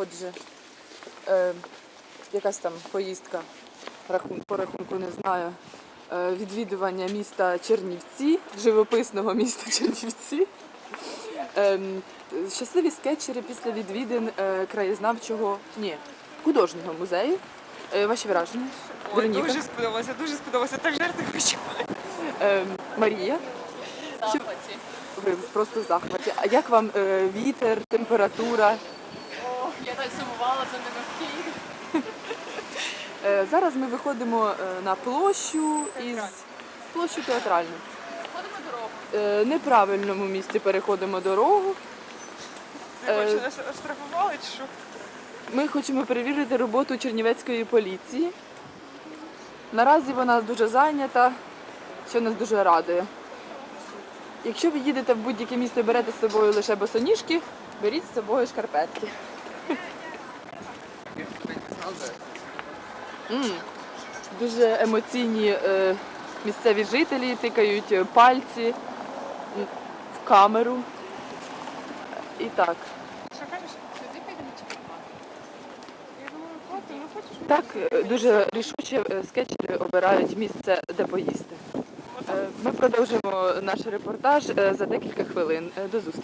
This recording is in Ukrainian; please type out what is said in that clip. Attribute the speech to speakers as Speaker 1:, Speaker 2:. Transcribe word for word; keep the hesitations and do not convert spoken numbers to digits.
Speaker 1: Отже, е, якась там поїздка, рахун, по рахунку не знаю, е, відвідування міста Чернівці, живописного міста Чернівці. Е, щасливі скетчери після відвідин е, краєзнавчого, ні, художнього музею. Е, ваші враження?
Speaker 2: Ой,
Speaker 1: Вероніка?
Speaker 2: дуже сподобалося, дуже сподобалося. Так жарти хочу.
Speaker 1: Е, Марія?
Speaker 3: Захваті.
Speaker 1: Ви просто в захваті. А як вам е, вітер, температура?
Speaker 3: О, я так сумувала за ними в Києві.
Speaker 1: Е, зараз ми виходимо е, на площу із площу театральну.
Speaker 3: Ходимо дорогу.
Speaker 1: Е, неправильному місці переходимо дорогу.
Speaker 2: Ти
Speaker 1: Е.
Speaker 2: хочеш нас оштрафували чи що?
Speaker 1: Ми хочемо перевірити роботу Чернівецької поліції. Наразі вона дуже зайнята, що нас дуже радує. Якщо ви їдете в будь-яке місто і берете з собою лише босоніжки, беріть з собою шкарпетки. М, Дуже емоційні е, місцеві жителі тикають е, пальці м, в камеру. І так.
Speaker 2: Що кажеш?
Speaker 3: Сюди підемо чи підемо?
Speaker 2: Я думаю, хватить, ну хочеш?
Speaker 1: Так, е, дуже рішуче е, скетчери обирають місце, де поїсти. Е, Ми продовжимо наш репортаж е, за декілька хвилин. Е, До зустрічі.